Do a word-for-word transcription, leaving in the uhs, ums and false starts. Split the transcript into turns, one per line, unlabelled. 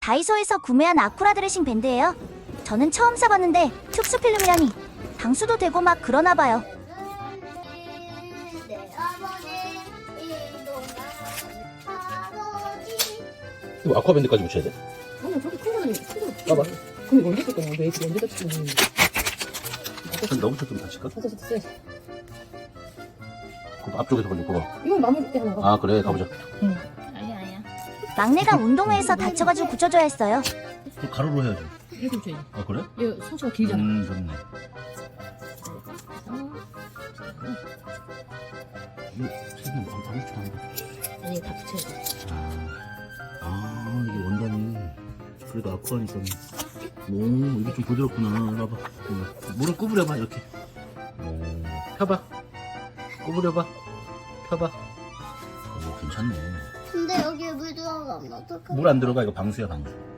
다이소에서 구매한 아쿠라 드레싱 밴드예요. 저는 처음 사봤는데 특수 필름이라니 방수도 되고 막 그러나봐요.
이거 아쿠아밴드까지 붙여야 돼?
아니 저기 큰 거는 큰 거.
봐봐.
근데 언제 쓸 거냐? 왜 이렇게 언제 다치는 거야?
한 너부터 좀 다칠까?
다시 다시.
그럼 앞쪽에서 걸릴 거봐.
이건 마무리 때 하나 가.
아 그래 가보자.
응.
아니야 아니야. 막내가 운동회에서 다쳐가지고 붙여줘야 했어요.
그 가로로 해야지.
이렇게 붙여야지.
아 그래?
이거 상처가 길잖아.
음 좋네. 이거 최근에 뭐 아무 짓도 안 해.
아니 다 붙여야지.
아, 아 이게 원단이 그래도 아쿠아니까 오 이게 좀 부드럽구나. 봐봐. 어, 무릎 구부려봐 이렇게. 오, 펴봐. 구부려봐. 펴봐. 오 괜찮네.
근데 여기에 물 들어가면 어떡해?
물 안 들어가. 이거 방수야 방수.